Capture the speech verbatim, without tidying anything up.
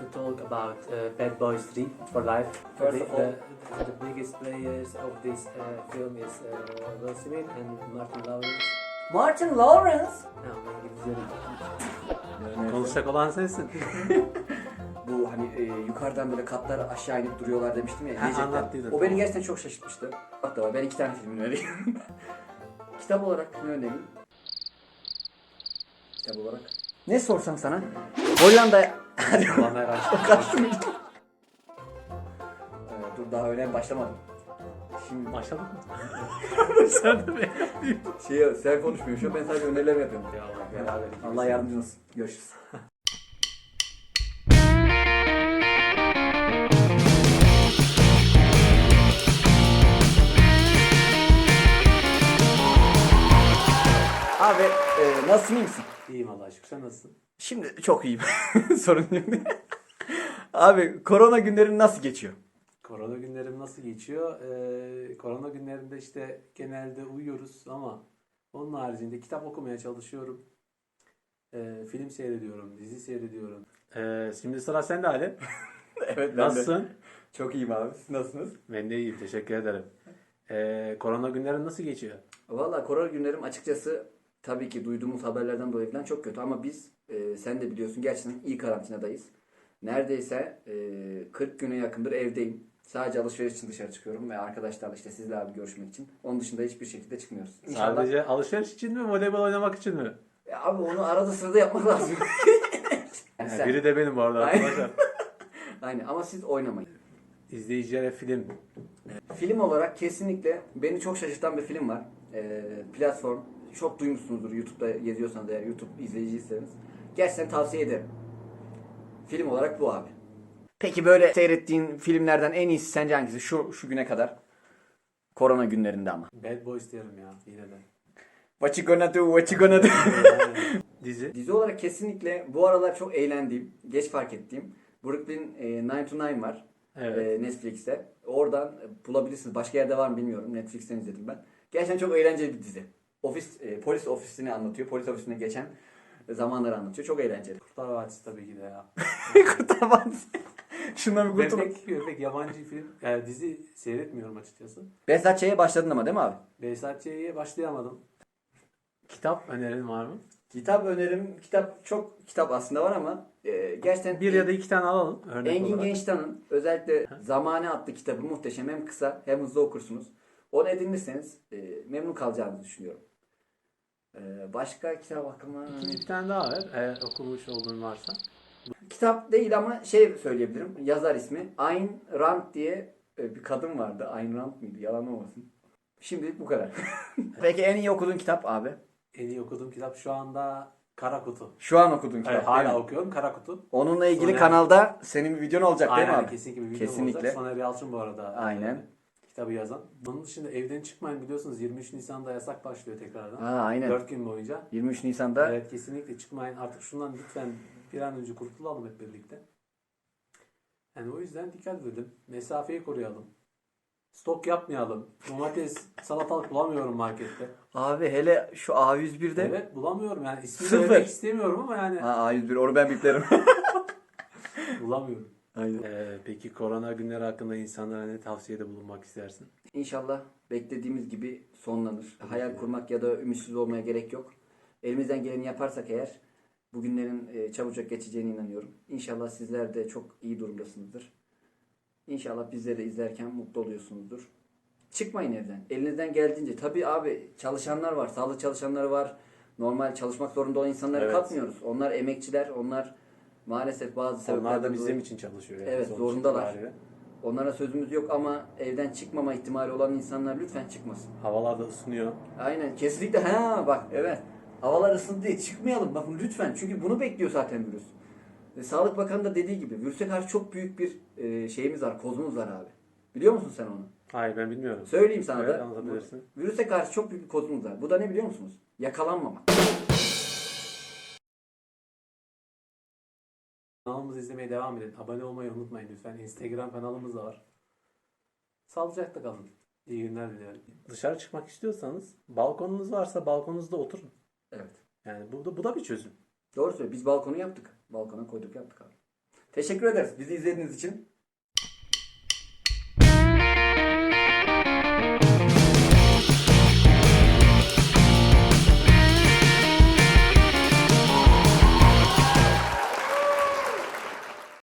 to talk about uh, Bad Boys three for life. First the, of all- the, the biggest players of this uh, film is uh, Will Smith and Martin Lawrence. Martin Lawrence. Tamam, ben gidiyorum. Yani Konuşacak olan sensin. bu hani e, yukarıdan böyle katlar aşağı inip duruyorlar demiştim ya. Ha, yiyecekler. anlattıydın, O tamam. beni gerçekten çok şaşırtmıştı. Hatta ben iki tane film önereyim. Kitap olarak ne önereyim? Kitap olarak. Ne sorsam sana? Hollanda... Hadi Ulan her açtım. kaçtım işte. Ee, dur daha öyle başlamadım. Şimdi Başladık mı? Sen de beğendin. şey, sen konuşmuyorsun şu an, ben sadece öneriler yapıyorum. Ya Allah, beraber ikimiz. Allah yardımcın olsun. Görüşürüz. Abi e, nasılsın, iyi misin? İyiyim Allah'a şükür. Sen nasılsın? Şimdi çok iyiyim. Sorun yok. Abi korona günlerin nasıl geçiyor? Korona günlerim nasıl geçiyor? Ee, korona günlerinde işte genelde uyuyoruz ama onun haricinde kitap okumaya çalışıyorum. Ee, film seyrediyorum, dizi seyrediyorum. Ee, şimdi sıra sende Ali. Evet ben de. Nasılsın? Çok iyiyim abi. Siz nasılsınız? Ben de iyiyim, teşekkür ederim. Ee, korona günlerin nasıl geçiyor? Valla korona günlerim açıkçası tabii ki duyduğumuz haberlerden dolayı falan çok kötü ama biz e, sen de biliyorsun gerçekten iyi karantinadayız. Neredeyse e, kırk güne yakındır evdeyim. Sadece alışveriş için dışarı çıkıyorum ve arkadaşlarla işte sizle abi görüşmek için. Onun dışında hiçbir şekilde çıkmıyoruz. İnşallah. Sadece alışveriş için mi, voleybol oynamak için mi? Ya abi onu arada sırada yapmak lazım. Yani Ha, sen- biri de benim bu arada Aynen. arkadaşlar. Aynen ama siz oynamayın. İzleyicilere film. Film olarak kesinlikle beni çok şaşırtan bir film var. Ee, platform. Çok duymuşsunuzdur YouTube'da geziyorsanız eğer YouTube izleyiciyseniz. Gerçekten tavsiye ederim. Film olarak bu abi. Peki böyle seyrettiğin filmlerden en iyisi sence hangisi? Şu şu güne kadar. Korona günlerinde ama. Bad Boys diyorum ya yine de. What you gonna do? What you gonna do? Yani, dizi. Dizi olarak kesinlikle bu aralar çok eğlendiğim, geç fark ettiğim Brooklyn e, nine to nine var. Evet. e, Netflix'te. Oradan e, bulabilirsiniz. Başka yerde var mı bilmiyorum. Netflix'ten izledim ben. Gerçekten çok eğlenceli bir dizi. Ofis e, polis ofisini anlatıyor. Polis ofisine geçen zamanları anlatıyor. Çok eğlenceli. Kurtlar Vadisi tabii ki de ya. Kurtar Vadisi. Şundan bir Ben kurtulun. pek, pek yabancı film, yani dizi seyretmiyorum açıkçası. Behzat Ç'ye başladın ama değil mi abi? Behzat Ç'ye başlayamadım. Kitap önerin var mı? Kitap önerim. Kitap çok kitap aslında var ama e, gerçekten Bir ya da iki tane alalım örnek Engin olarak. Gençtan'ın özellikle Zamane adlı kitabı muhteşem. Hem kısa hem hızlı okursunuz. Onu edinirseniz e, memnun kalacağınızı düşünüyorum. E, başka kitap aklıma... İkinci bir tane daha ver eğer okumuş olduğun varsa. Kitap değil ama şey söyleyebilirim. Yazar ismi. Ayn Rand diye e, bir kadın vardı. Ayn Rand mıydı? Yalan olmasın. Şimdilik bu kadar. Peki en iyi okuduğun kitap abi? En iyi okuduğum kitap şu anda Kara Kutu. Şu an okuduğun kitap Evet, değil hala mi? okuyorum Kara Kutu. Onunla ilgili Soner- kanalda senin bir videon olacak değil mi Aynen abi? kesinlikle bir video Kesinlikle. olacak. Soner Yalçın bu arada. Aynen. e, Kitabı yazan. Bunun dışında evden çıkmayın biliyorsunuz yirmi üç Nisan'da yasak başlıyor tekrardan. Ha, aynen. dört gün boyunca. yirmi üç Nisan'da Evet kesinlikle çıkmayın. Artık şundan lütfen bir an önce kurtulalım hep birlikte. Yani o yüzden dikkat edelim. Mesafeyi koruyalım. Stok yapmayalım. Domates, salatalık bulamıyorum markette. abi hele şu A yüz birde Evet bulamıyorum yani. İsmini Sıfır. vermek istemiyorum ama yani ha, A yüz bir onu ben biplerim. bulamıyorum. Aynen. Ee, peki korona günleri hakkında insanlara ne tavsiyede bulunmak istersin? İnşallah beklediğimiz gibi sonlanır. Hayal kurmak ya da ümitsiz olmaya gerek yok. Elimizden geleni yaparsak eğer bu günlerin e, çabucak geçeceğine inanıyorum. İnşallah sizler de çok iyi durumdasınızdır. İnşallah bizleri de izlerken mutlu oluyorsunuzdur. Çıkmayın evden. Elinizden geldiğince. Tabii abi çalışanlar var, sağlık çalışanları var. Normal çalışmak zorunda olan insanları Evet. katmıyoruz. Onlar emekçiler, onlar maalesef bazı Onlar sebeplerden da bizim dolayı için çalışıyor. Yani Evet, sonuç zorundalar. itibariyle. onlara sözümüz yok ama evden çıkmama ihtimali olan insanlar lütfen çıkmasın. Havalar da ısınıyor. Aynen kesinlikle ha bak evet. Havalar ısındı diye çıkmayalım bakın lütfen. Çünkü bunu bekliyor zaten virüs. E, Sağlık Bakanı da dediği gibi virüse karşı çok büyük bir e, şeyimiz var, kozumuz var abi. Biliyor musun sen onu? Hayır ben bilmiyorum. Söyleyeyim sana Evet, da. anlatabilirsin. Virüse karşı çok büyük bir kozumuz var. Bu da ne biliyor musunuz? Yakalanmamak. Kanalımızı izlemeye devam edin. Abone olmayı unutmayın lütfen. Instagram kanalımız da var. Sağlıcakla kalın. İyi günler diliyorum. Dışarı çıkmak istiyorsanız balkonunuz varsa balkonunuzda oturun. Evet. Yani bu da, bu da bir çözüm. Doğru söylüyor. Biz balkonu yaptık. Balkona koyduk yaptık abi. Teşekkür ederiz bizi izlediğiniz için.